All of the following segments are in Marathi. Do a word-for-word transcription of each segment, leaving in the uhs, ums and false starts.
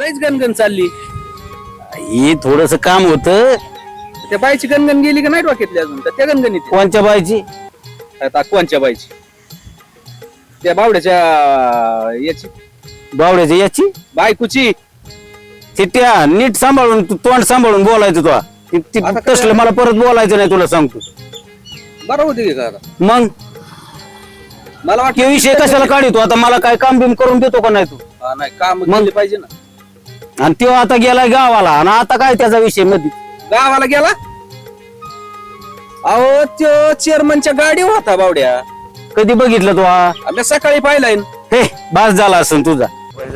लयच गणगण चालली. हे थोडस काम होत. त्या बाईची गणगण गेली का नाही डोक्यातली अजून का त्या गणगणीत कोणच्या बायची? आता कोणच्या बाईची? त्या बावड्याच्या याची बावड्याची याची बायकोची. चिट्ट्या नीट सांभाळून तू तोंड सांभाळून बोलायचं तुला. ती- ती आता काय- तसलं मला परत बोलायचं नाही तुला सांगतो. बरं होते की का आता? मग मला ते वाटतं विषय कशाला काढतो आता? मला काय काम बिम करून देतो का नाही तू? हा, नाही काम केले पाहिजे ना. आणि तो आता गेलाय गावाला आणि आता काय त्याचा विषय मध्ये? गावाला गेला. अहो त्यो चेअरमनच्या गाडीवर होता बावड्या. कधी बघितलं तू? हा? आम्ही सकाळी पाहिलाय. हे बास झाला असेल तुझा.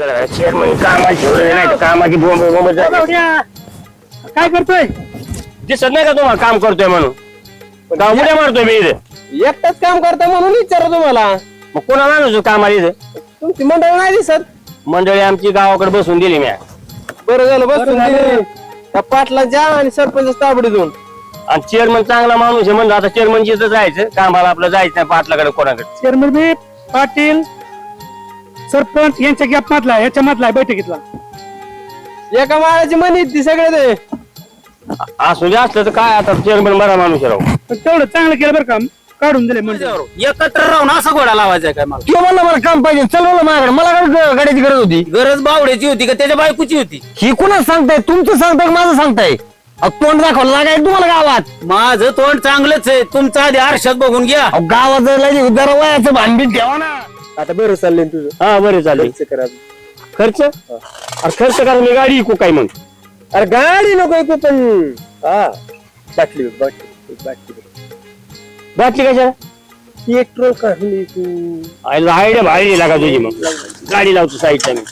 कामाची बोंब बोंब काय करतोय? दिसत नाही का तुम्हाला काम करतोय म्हणून? का उड्या मारतोय मी इथे? एकटाच काम करता म्हणून विचारा तुम्हाला. मग कोणाला आणू कामाला इथे? तुमची मंडळ नाही दिसत. मंडळी आमची गावाकडे बसून दिली मी. बरं झालं बसून दिली. त्या पाटला जा आणि सरपंच ताबडी देऊन. आणि चेअरमन चांगला माणूस आहे म्हणलं आता चेअरमनची इथं जायचं कामाला, आपलं जायचं नाही पाटलाकडे कोणाकडे. चेअरमन बी पाटील सरपंच यांच्या गॅप मधला याच्या मधला बैठकीतला. एका माळाची म्हणी ती सगळे ते. असू दे, असलं तर काय आता चेअरमन बरा माणूस आहे राव. पण तेवढं चांगलं केलं बरं का, काढून दिले म्हणजे. एकत्र राहून असा घोडा लावायचा काय? मला किंवा म्हणलं मला काम पाहिजे, चल म्हणलं माझ्याकडे. मला काय गाड्याची गरज होती? गरज बावड्याची होती का त्याच्या बायकोची होती? ही कुणाच सांगताय? तुमचं सांगताय माझं सांगताय? अहो, तोंड दाखवलं लागाय तुम्हाला गावात. माझं तोंड चांगलंच आहे. तुमचा आधी आरशात बघून घ्या. अहो, गावात जरा जरा वयाचं भानबीन ठेवा ना. आता बरं चाललंय तुझं. हा बरे चालेल. करा. खर्च अरे खर्च करा, मी गाडी विकू काय मग? अरे गाडी नको ऐकू पण. हा बाटली बघ, बाटली बाटली बाटली कशा? पेट्रोल काढली तू. आयडिया भारी लागा तुझी. मग गाडी लावतो साईडला मी.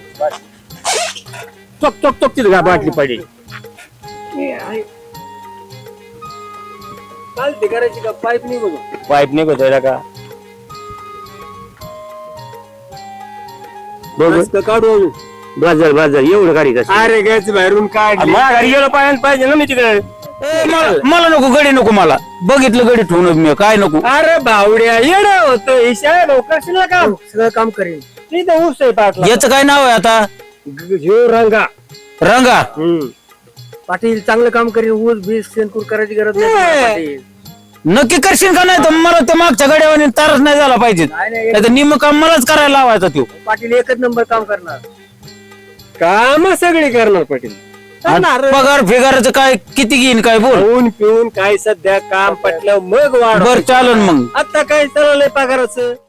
चोक चोक चोक तिथं का बाटली पडली. चालते करायची का? पाईप नाही बघू. पाईप निघतोय का बघ? काढू. बाजार बाजार एवढं गाडी कसं? अरे गॅस बाहेरून काढली. मला गाडी गेलो पाहिजे पाहिजे ना मी तिकडे. ए, मला- मला नको गडी नको. मला बघितलं गडी ठेवून मी काय नको. अरे बावड्या येडा होतो. ईशा लवकर काम सगळं काम करेल. तिथं ऊस आहे पाटला. याचं काय नाव आहे आता? ह्यो रंगा. रंगा. पाटील चांगलं काम करेल. ऊस बीस सेनकूर करायची गरज नाही पाटील. नक्की करशील का नाही? तर मला ते मागच्या गड्यावर तारच नाही झाला पाहिजे. नाही, नाही, नाही तर निम काम मलाच करायला लावायचा तो. पाटील एकच नंबर काम करणार. काम सगळी करणार पाटील. आणि पगार फिगाराचं काय किती घेईन काय बोल. खाऊन पिऊन काय सध्या काम पटलं मग वाढ. बर चालन मग. आता काय चाललंय पगाराचं?